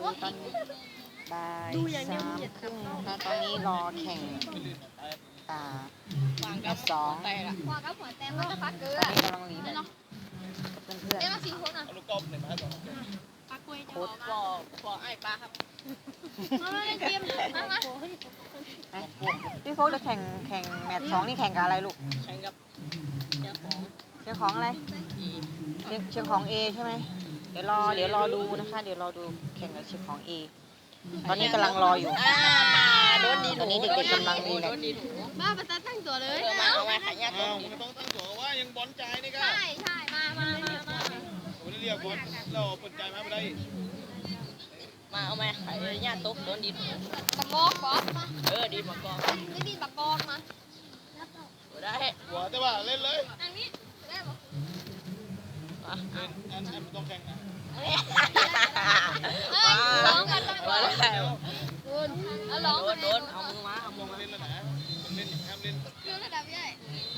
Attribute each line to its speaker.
Speaker 1: ตอนบ่าย3:30นะคะตอนนี้รอแข่งแมตช์2ตอนนี้กำลังรีแมตช์กับเพื่อนๆโค้ชพี่โฟกจะแข่งแมตช์2นี่แข่งกับอะไรลูกแข่งกับเชียงของอะไรเชียงของ A ใช่ไหมเดี๋ยวรอดูนะคะเดี๋ยวรอดูแข่งกับเชียงของ A ตอนนี้กำลังรออยู่ตอนนี้เด็กๆกำลังรีแมตช์
Speaker 2: มาประจันตั้งตัวเลย
Speaker 3: เอามาขายยาตัวมึงต้องตั้งตัวว่ายังบอลใจนี่ก็
Speaker 2: ใช่มา
Speaker 3: ผมเรียกบอลเราเปิดใจมาไม่ได้
Speaker 4: มาเอามาขายยาตุ๊กโดนดิน
Speaker 2: ตะกอกบอส
Speaker 4: ดีมากอน
Speaker 2: ไม่ดีตะกอกมา
Speaker 4: ได้
Speaker 3: หัวแต่ว่าเล่นเลย
Speaker 2: อันนี้ได้ปะ
Speaker 3: อันต้องแข่งนะ
Speaker 2: ร้องกันต้องร้องร้อง
Speaker 4: โดนเอามือมาเอามือมา
Speaker 3: เล่นแล้วนะเล่นห้ามเล่น
Speaker 2: คือระดับใหญ่